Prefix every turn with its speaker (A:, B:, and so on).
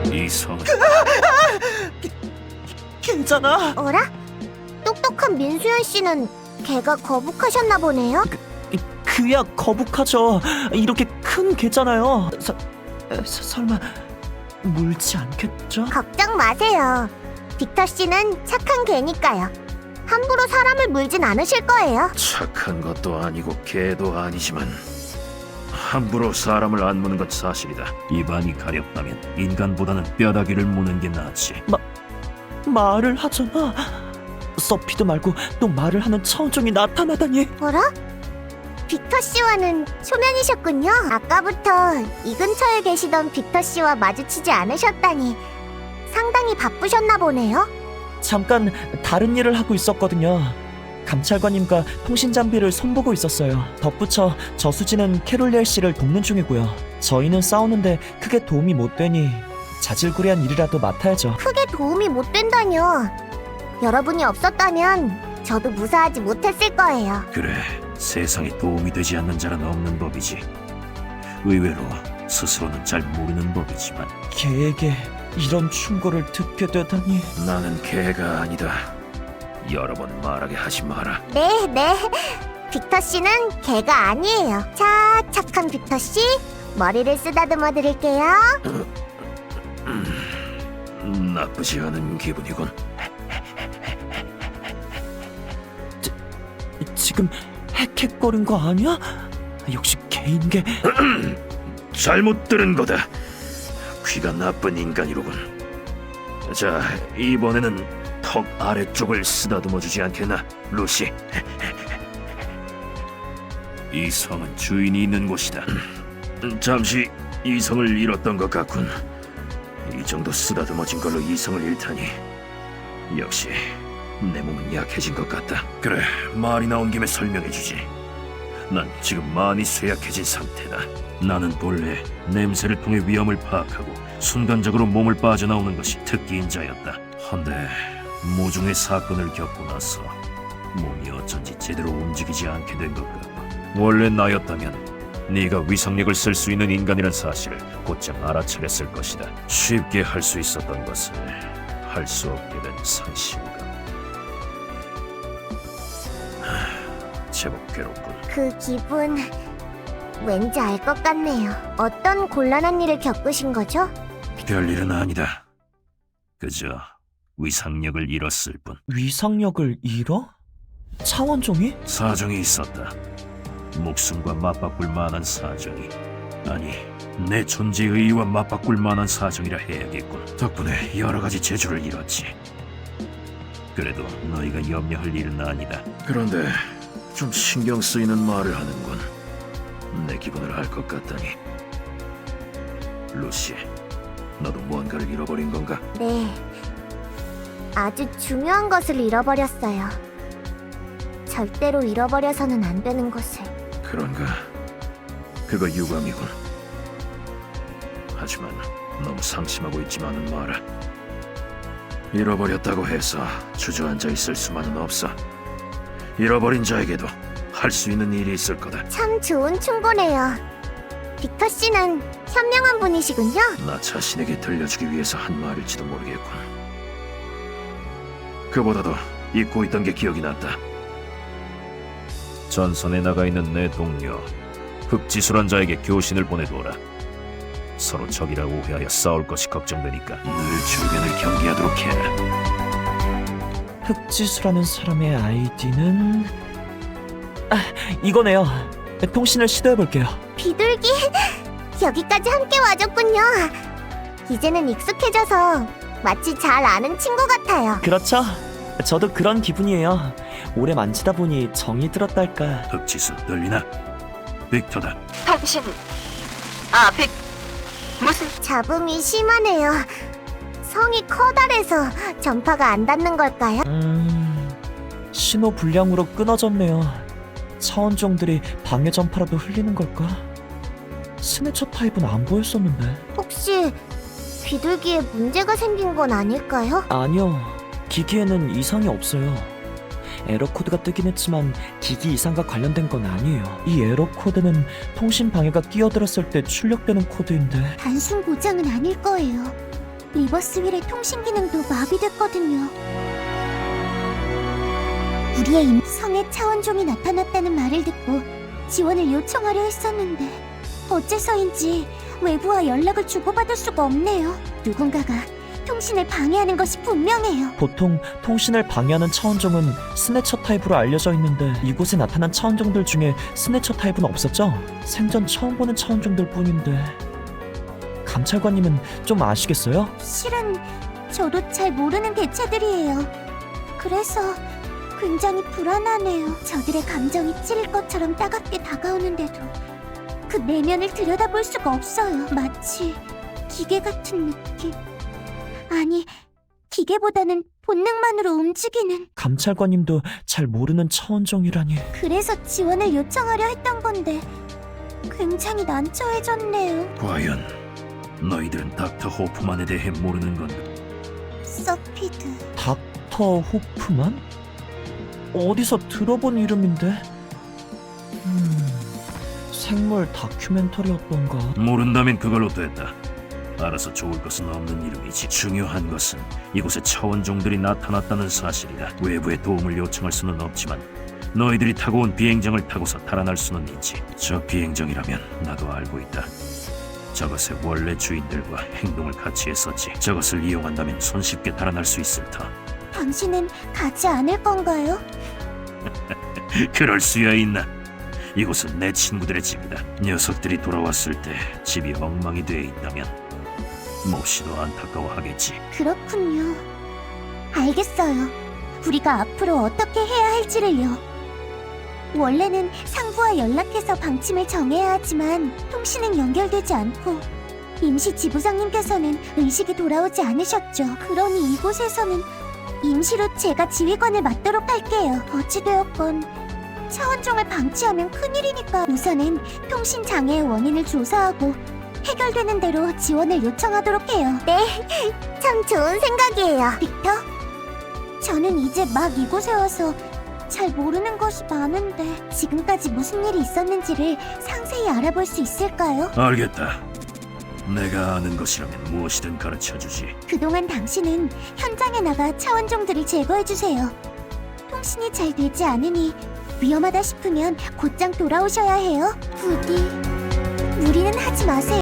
A: 이성.
B: 괜찮아?
C: 어라? 똑똑한 민수연 씨는 걔가 거북하셨나 보네요.
B: 그야 거북하죠. 이렇게 큰 개잖아요. 설마 물지 않겠죠?
C: 걱정 마세요. 빅터 씨는 착한 개니까요. 함부로 사람을 물진 않으실 거예요.
A: 착한 것도 아니고 개도 아니지만 함부로 사람을 안 무는 건 사실이다. 입안이 가렵다면 인간보다는 뼈다귀를 무는 게 낫지.
B: 말을 하잖아. 서피드 말고 또 말을 하는 차원종이 나타나다니.
C: 어라? 빅터 씨와는 초면이셨군요. 아까부터 이 근처에 계시던 빅터 씨와 마주치지 않으셨다니 상당히 바쁘셨나 보네요.
B: 잠깐 다른 일을 하고 있었거든요. 감찰관님과 통신장비를 손보고 있었어요. 덧붙여 저수지는 캐롤리엘 씨를 돕는 중이고요. 저희는 싸우는데 크게 도움이 못 되니 자질구레한 일이라도 맡아야죠.
C: 크게 도움이 못 된다뇨. 여러분이 없었다면 저도 무사하지 못했을 거예요.
A: 그래, 세상에 도움이 되지 않는 자는 없는 법이지. 의외로 스스로는 잘 모르는 법이지만
B: 개에게 이런 충고를 듣게 되다니.
A: 나는 개가 아니다. 여러 번 말하게 하지 마라.
C: 네, 네. 빅터 씨는 개가 아니에요. 자, 착한 빅터 씨, 머리를 쓰다듬어 드릴게요.
A: 나쁘지 않은 기분이군.
B: 지금 헥헥거린 거 아니야? 역시 개인 게.
A: 잘못 들은 거다. 귀가 나쁜 인간이로군. 자, 이번에는 턱 아래쪽을 쓰다듬어 주지 않겠나, 루시? 이 성은 주인이 있는 곳이다. 잠시 이성을 잃었던 것 같군. 이 정도 쓰다듬어진 걸로 이성을 잃다니. 역시 내 몸은 약해진 것 같다. 그래, 말이 나온 김에 설명해주지. 난 지금 많이 쇠약해진 상태다. 나는 본래 냄새를 통해 위험을 파악하고 순간적으로 몸을 빠져나오는 것이 특기인 자였다. 한데 모종의 사건을 겪고 나서 몸이 어쩐지 제대로 움직이지 않게 된 것 같고, 원래 나였다면 네가 위상력을 쓸 수 있는 인간이란 사실을 곧장 알아차렸을 것이다. 쉽게 할 수 있었던 것을 할 수 없게 된 상실감. 제법 괴롭군.
C: 그 기분 왠지 알 것 같네요. 어떤 곤란한 일을 겪으신 거죠?
A: 별일은 아니다. 그저 위상력을 잃었을 뿐.
B: 위상력을 잃어? 차원종이?
A: 사정이 있었다. 목숨과 맞바꿀 만한 사정이. 아니, 내 존재의 의의와 맞바꿀 만한 사정이라 해야겠군. 덕분에 여러 가지 재주를 잃었지. 그래도 너희가 염려할 일은 아니다. 그런데 좀 신경 쓰이는 말을 하는군. 내 기분을 알 것 같다니. 루시, 너도 무언가를 잃어버린 건가?
C: 네. 아주 중요한 것을 잃어버렸어요. 절대로 잃어버려서는 안 되는 것을.
A: 그런가? 그거 유감이군. 하지만 너무 상심하고 있지만은 마라. 잃어버렸다고 해서 주저앉아 있을 수만은 없어. 잃어버린 자에게도 할 수 있는 일이 있을 거다.
C: 참 좋은 충고네요. 빅터 씨는 현명한 분이시군요.
A: 나 자신에게 들려주기 위해서 한 말일지도 모르겠군. 그보다도 잊고 있던 게 기억이 났다. 전선에 나가 있는 내 동료 흑지수란 자에게 교신을 보내두어라. 서로 적이라 오해하여 싸울 것이 걱정되니까 늘 주변을 경계하도록 해.
B: 흑지수라는 사람의 아이디는 이거네요. 통신을 시도해볼게요.
C: 비둘기, 여기까지 함께 와줬군요. 이제는 익숙해져서 마치 잘 아는 친구 같아요.
B: 그렇죠? 저도 그런 기분이에요. 오래 만지다 보니 정이 들었달까.
A: 흑지수 들리나? 빅터다.
D: 당신 무슨
C: 잡음이 심하네요. 성이 커다래서 전파가 안 닿는 걸까요?
B: 신호 불량으로 끊어졌네요. 차원종들이 방해 전파라도 흘리는 걸까? 스네처 타입은 안 보였었는데.
C: 혹시 비둘기에 문제가 생긴 건 아닐까요?
B: 아니요. 기기에는 이상이 없어요. 에러 코드가 뜨긴 했지만 기기 이상과 관련된 건 아니에요. 이 에러 코드는 통신 방해가 끼어들었을 때 출력되는 코드인데.
C: 단순 고장은 아닐 거예요. 리버스윌의 통신 기능도 마비됐거든요. 우리의 성에 차원종이 나타났다는 말을 듣고 지원을 요청하려 했었는데 어째서인지 외부와 연락을 주고받을 수가 없네요. 누군가가 통신을 방해하는 것이 분명해요.
B: 보통 통신을 방해하는 차원종은 스네처 타입으로 알려져 있는데 이곳에 나타난 차원종들 중에 스네처 타입은 없었죠? 생전 처음 보는 차원종들 뿐인데 감찰관님은 좀 아시겠어요?
C: 실은 저도 잘 모르는 개체들이에요. 그래서 굉장히 불안하네요. 저들의 감정이 찔릴 것처럼 따갑게 다가오는데도 그 내면을 들여다볼 수가 없어요. 마치 기계 같은 느낌. 아니, 기계보다는 본능만으로 움직이는.
B: 감찰관님도 잘 모르는 차원종이라니.
C: 그래서 지원을 요청하려 했던 건데 굉장히 난처해졌네요.
A: 과연 너희들은 닥터 호프만에 대해 모르는 건가?
C: 서피드.
B: 닥터 호프만? 어디서 들어본 이름인데? 생물 다큐멘터리였던가?
A: 모른다면 그걸로 됐다. 알아서 좋을 것은 없는 이름이지. 중요한 것은 이곳에 차원종들이 나타났다는 사실이다. 외부의 도움을 요청할 수는 없지만 너희들이 타고 온 비행정을 타고서 달아날 수는 있지. 저 비행정이라면 나도 알고 있다. 저것의 원래 주인들과 행동을 같이 했었지. 저것을 이용한다면 손쉽게 달아날 수 있을 터.
C: 당신은 가지 않을 건가요?
A: 그럴 수야 있나? 이곳은 내 친구들의 집이다. 녀석들이 돌아왔을 때 집이 엉망이 돼 있다면 몹시도 안타까워하겠지.
C: 그렇군요. 알겠어요. 우리가 앞으로 어떻게 해야 할지를요. 원래는 상부와 연락해서 방침을 정해야 하지만 통신은 연결되지 않고 임시 지부장님께서는 의식이 돌아오지 않으셨죠. 그러니 이곳에서는 임시로 제가 지휘관을 맡도록 할게요. 어찌되었건 차원종을 방치하면 큰일이니까 우선은 통신 장애의 원인을 조사하고 해결되는 대로 지원을 요청하도록 해요. 네, 참 좋은 생각이에요. 빅터, 저는 이제 막 이곳에 와서 잘 모르는 것이 많은데 지금까지 무슨 일이 있었는지를 상세히 알아볼 수 있을까요?
A: 알겠다. 내가 아는 것이라면 무엇이든 가르쳐주지.
C: 그동안 당신은 현장에 나가 차원종들을 제거해주세요. 통신이 잘 되지 않으니 위험하다 싶으면 곧장 돌아오셔야 해요. 부디 무리는 하지 마세요.